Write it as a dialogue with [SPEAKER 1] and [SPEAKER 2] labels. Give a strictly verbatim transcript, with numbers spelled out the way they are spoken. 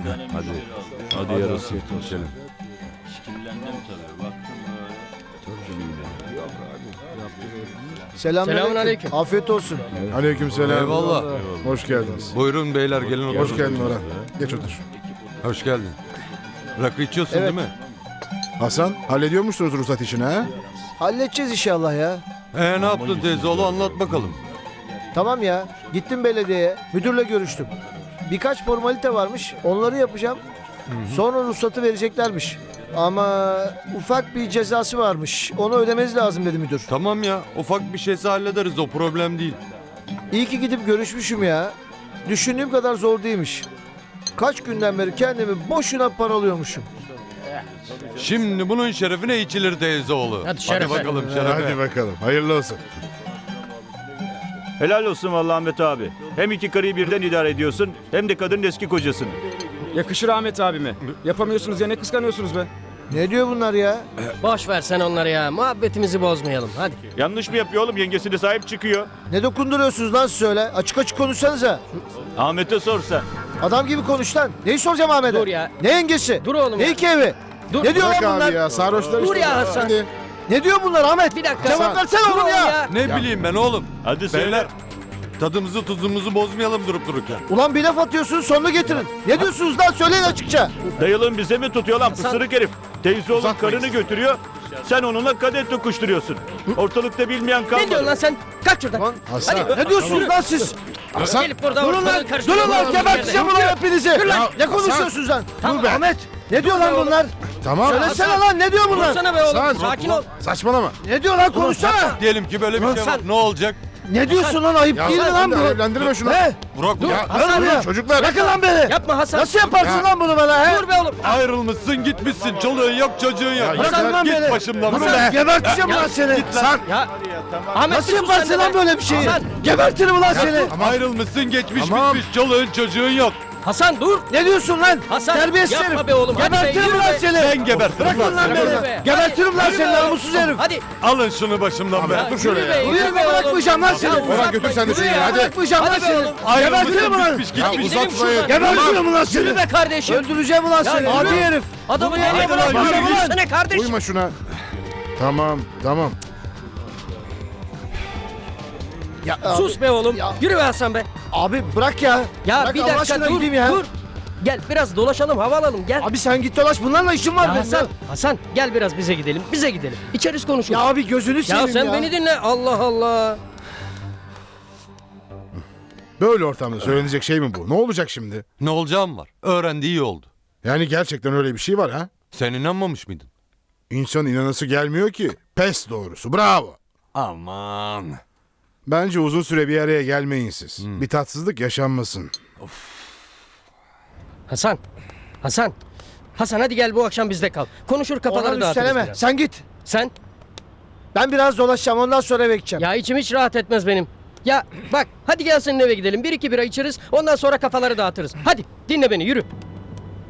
[SPEAKER 1] tane
[SPEAKER 2] Hadi.
[SPEAKER 1] müşteri aldım.
[SPEAKER 2] Hadi,
[SPEAKER 3] Hadi
[SPEAKER 2] yarasın.
[SPEAKER 3] afiyet olsun.
[SPEAKER 2] İçelim.
[SPEAKER 1] İşkillendim tabii. Baktım böyle.
[SPEAKER 4] Selamünaleyküm.
[SPEAKER 5] Selamünaleyküm.
[SPEAKER 4] Afiyet olsun.
[SPEAKER 3] Aleykümselam.
[SPEAKER 2] Eyvallah.
[SPEAKER 3] Hoş geldiniz.
[SPEAKER 2] Buyurun beyler gelin oturun.
[SPEAKER 3] Hoş geldin Orhan. Geç otur.
[SPEAKER 2] Hoş geldin. Rakı içiyorsun
[SPEAKER 4] Evet.
[SPEAKER 2] değil mi?
[SPEAKER 3] Hasan, hallediyor musunuz ruhsat işini ha?
[SPEAKER 4] Halledeceğiz inşallah ya.
[SPEAKER 2] Ee ne yaptın teyzeoğlu anlat bakalım.
[SPEAKER 4] Tamam ya. Gittim belediyeye. Müdürle görüştüm. Birkaç formalite varmış. Onları yapacağım. Sonra ruhsatı vereceklermiş. Ama ufak bir cezası varmış. Onu ödemeniz lazım dedi müdür.
[SPEAKER 2] Tamam ya ufak bir şeyse hallederiz o problem değil.
[SPEAKER 4] İyi ki gidip görüşmüşüm ya. Düşündüğüm kadar zor değilmiş. Kaç günden beri kendimi boşuna paralıyormuşum.
[SPEAKER 2] Şimdi bunun şerefine içilir teyzeoğlu.
[SPEAKER 5] Hadi şerefe.
[SPEAKER 2] bakalım şerefe.
[SPEAKER 3] Hadi bakalım. Hayırlı olsun.
[SPEAKER 6] Helal olsun vallahi Ahmet abi. Hem iki karıyı birden idare ediyorsun hem de kadının eski kocasını.
[SPEAKER 7] Yakışır Ahmet abime. Yapamıyorsunuz ya ne kıskanıyorsunuz be?
[SPEAKER 4] Ne diyor bunlar ya?
[SPEAKER 5] Boş ver sen onları ya. Muhabbetimizi bozmayalım. Hadi.
[SPEAKER 6] Yanlış mı yapıyor oğlum? Yengesi de sahip çıkıyor.
[SPEAKER 4] Ne dokunduruyorsunuz lan siz öyle? Açık açık konuşsanıza.
[SPEAKER 6] Ahmet'e sorsa.
[SPEAKER 4] Adam gibi konuş lan. Neyi soracağım Ahmet'e?
[SPEAKER 5] Dur ya.
[SPEAKER 4] Ne yengesi?
[SPEAKER 5] Dur oğlum
[SPEAKER 4] Ne
[SPEAKER 5] ya.
[SPEAKER 4] iki evi?
[SPEAKER 5] Dur.
[SPEAKER 4] Ne diyor
[SPEAKER 3] Bırak
[SPEAKER 4] lan bunlar?
[SPEAKER 3] abi ya, sarhoşlar
[SPEAKER 5] Dur
[SPEAKER 3] işte.
[SPEAKER 5] ya Hasan.
[SPEAKER 3] Hadi.
[SPEAKER 4] Ne diyor bunlar Ahmet?
[SPEAKER 5] Bir dakika.
[SPEAKER 4] Cevap versene
[SPEAKER 5] Dur
[SPEAKER 4] oğlum ya.
[SPEAKER 5] ya.
[SPEAKER 2] Ne bileyim ben oğlum.
[SPEAKER 6] Hadi söyle.
[SPEAKER 2] Beyler tadımızı tuzumuzu bozmayalım durup dururken.
[SPEAKER 4] Ulan bir laf atıyorsunuz sonunu getirin. Ne diyorsunuz lan söyleyin açıkça.
[SPEAKER 6] Dayılığın bize mi tutuyor lan pısırık herif? Teyze oğlum
[SPEAKER 3] Uzatmayın.
[SPEAKER 6] karını götürüyor. Sen onunla kadeh tokuşturuyorsun. Ortalıkta bilmeyen
[SPEAKER 5] Ne diyorsun
[SPEAKER 6] kalmadı.
[SPEAKER 5] lan sen? Kalk şuradan.
[SPEAKER 4] Lan
[SPEAKER 3] Hasan.
[SPEAKER 5] Hadi.
[SPEAKER 4] Ne diyorsunuz lan siz?
[SPEAKER 3] Hasan.
[SPEAKER 5] Gelip burada
[SPEAKER 4] Durun
[SPEAKER 5] ortalığı
[SPEAKER 4] lan.
[SPEAKER 5] karıştırma.
[SPEAKER 4] Durun lan. Geberteceğim ulan hepinizi.
[SPEAKER 3] Ya,
[SPEAKER 4] Ne
[SPEAKER 3] Hasan.
[SPEAKER 4] konuşuyorsunuz lan?
[SPEAKER 5] Tamam.
[SPEAKER 4] Dur be. Ahmet. Ne diyor lan
[SPEAKER 5] oğlum.
[SPEAKER 4] bunlar?
[SPEAKER 3] Tamam.
[SPEAKER 4] Söylesene lan ne diyor bunlar?
[SPEAKER 5] Dursana be oğlum.
[SPEAKER 3] Hasan.
[SPEAKER 5] Sakin ol.
[SPEAKER 3] Saçmalama.
[SPEAKER 4] Ne diyor lan konuşsana.
[SPEAKER 2] Diyelim ki böyle bir şey var.
[SPEAKER 5] Hasan.
[SPEAKER 2] Ne olacak?
[SPEAKER 4] Ne diyorsun lan ayıp
[SPEAKER 3] Ya
[SPEAKER 4] değil mi lan
[SPEAKER 3] sen
[SPEAKER 4] bu?
[SPEAKER 3] de evlendirme şunu.
[SPEAKER 4] He?
[SPEAKER 2] Burak
[SPEAKER 5] Dur.
[SPEAKER 2] ya,
[SPEAKER 4] Hasan ya.
[SPEAKER 3] Çocuklar.
[SPEAKER 4] Bırakın lan beni.
[SPEAKER 5] Yapma Hasan.
[SPEAKER 4] Nasıl yaparsın
[SPEAKER 3] Ya.
[SPEAKER 4] lan bunu bana he?
[SPEAKER 5] Dur be oğlum.
[SPEAKER 2] ayrılmışsın gitmişsin çoluğun yok çocuğun yok.
[SPEAKER 3] Ya,
[SPEAKER 4] bırakın lan
[SPEAKER 2] Git
[SPEAKER 4] beni.
[SPEAKER 2] başımdan
[SPEAKER 4] Durun
[SPEAKER 2] be.
[SPEAKER 4] be. Geberteceğim
[SPEAKER 5] Ya,
[SPEAKER 4] lan seni.
[SPEAKER 3] Hasan.
[SPEAKER 5] Ya. Ahmet
[SPEAKER 4] Nasıl
[SPEAKER 5] bir sus
[SPEAKER 4] yaparsın
[SPEAKER 5] sen de
[SPEAKER 4] lan
[SPEAKER 5] be.
[SPEAKER 4] böyle bir şeyi?
[SPEAKER 5] Hasan.
[SPEAKER 4] Gebertirim ulan seni.
[SPEAKER 2] Ayrılmışsın geçmiş
[SPEAKER 3] Tamam.
[SPEAKER 2] bitmiş çoluğun çocuğun yok.
[SPEAKER 5] Hasan dur.
[SPEAKER 4] Ne diyorsun lan?
[SPEAKER 5] Hasan,
[SPEAKER 4] Terbiyesiz
[SPEAKER 5] yapma
[SPEAKER 4] herif.
[SPEAKER 5] be oğlum, hadi be,
[SPEAKER 4] Gebertirim
[SPEAKER 5] yürü
[SPEAKER 4] lan
[SPEAKER 5] be.
[SPEAKER 4] seni.
[SPEAKER 2] Ben gebertirim
[SPEAKER 4] Bırakın lan
[SPEAKER 5] Yürü
[SPEAKER 4] beni.
[SPEAKER 5] be.
[SPEAKER 4] Gebertirim lan
[SPEAKER 5] Yürü
[SPEAKER 4] seni
[SPEAKER 5] be oğlum.
[SPEAKER 4] namussuz herif.
[SPEAKER 5] Hadi.
[SPEAKER 2] Alın şunu başımdan be.
[SPEAKER 5] Ya,
[SPEAKER 3] dur şöyle
[SPEAKER 5] yürü
[SPEAKER 3] ya.
[SPEAKER 5] be,
[SPEAKER 4] Yürü
[SPEAKER 5] yürü
[SPEAKER 4] be,
[SPEAKER 5] be oğlum.
[SPEAKER 4] bırakmayacağım lan seni.
[SPEAKER 5] Ya,
[SPEAKER 3] Orhan
[SPEAKER 5] uzatma,
[SPEAKER 3] götür sen de
[SPEAKER 5] yürü
[SPEAKER 3] seni,
[SPEAKER 5] ya.
[SPEAKER 3] hadi.
[SPEAKER 4] Bırakmayacağım lan
[SPEAKER 5] Hadi be
[SPEAKER 4] seni.
[SPEAKER 5] oğlum.
[SPEAKER 4] Gebertirim ulan.
[SPEAKER 2] Bitmiş
[SPEAKER 5] Ya,
[SPEAKER 2] gitmiş.
[SPEAKER 5] gidelim
[SPEAKER 3] uzatmayın.
[SPEAKER 5] şuradan.
[SPEAKER 4] Gebertirim ulan seni.
[SPEAKER 5] Yürü be kardeşim.
[SPEAKER 4] Öldüreceğim ulan seni.
[SPEAKER 5] yürü.
[SPEAKER 4] Adi herif.
[SPEAKER 5] Adamı
[SPEAKER 4] Hadi
[SPEAKER 5] nereye
[SPEAKER 4] lan,
[SPEAKER 5] bırakıyorsun?
[SPEAKER 4] yürü, yürü.
[SPEAKER 5] Yürüsene kardeşim.
[SPEAKER 3] Uyma şuna. Tamam. Tamam.
[SPEAKER 4] Ya,
[SPEAKER 5] Sus be oğlum.
[SPEAKER 4] Ya.
[SPEAKER 5] Yürü be Hasan be.
[SPEAKER 4] Abi bırak ya.
[SPEAKER 5] Ya
[SPEAKER 4] Bırak
[SPEAKER 5] bir
[SPEAKER 4] Allah
[SPEAKER 5] dakika
[SPEAKER 4] aşkına
[SPEAKER 5] dur.
[SPEAKER 4] gideyim ya.
[SPEAKER 5] Dur. Gel biraz dolaşalım, hava alalım. Gel.
[SPEAKER 4] Abi sen git dolaş. Bunlarla işim var
[SPEAKER 5] Ya
[SPEAKER 4] benim.
[SPEAKER 5] Hasan,
[SPEAKER 4] Ya.
[SPEAKER 5] Hasan gel biraz bize gidelim. Bize gidelim. İçeriz konuşuruz.
[SPEAKER 4] Ya abi gözünü
[SPEAKER 5] Ya
[SPEAKER 4] seveyim ya.
[SPEAKER 5] sen beni dinle. Allah Allah.
[SPEAKER 3] Böyle ortamda söylenecek şey mi bu? Ne olacak şimdi?
[SPEAKER 2] Ne olacağım var. Öğrendi iyi oldu.
[SPEAKER 3] Yani gerçekten öyle bir şey var ha?
[SPEAKER 2] Sen inanmamış mıydın?
[SPEAKER 3] İnsan inanası gelmiyor ki. Pes doğrusu. Bravo.
[SPEAKER 2] Aman.
[SPEAKER 3] Bence uzun süre bir araya gelmeyin siz. Bir tatsızlık yaşanmasın.
[SPEAKER 5] Hasan. Hasan. Hasan hadi gel bu akşam bizde kal. Konuşur kafaları
[SPEAKER 4] Oradan
[SPEAKER 5] dağıtırız
[SPEAKER 4] üsteleme.
[SPEAKER 5] biraz.
[SPEAKER 4] Sen git.
[SPEAKER 5] Sen?
[SPEAKER 4] Ben biraz dolaşacağım. Ondan sonra eve gideceğim.
[SPEAKER 5] Ya içim hiç rahat etmez benim. Ya bak hadi gel senin eve gidelim. Bir iki bira içeriz. Ondan sonra kafaları dağıtırız. Hadi dinle beni yürü.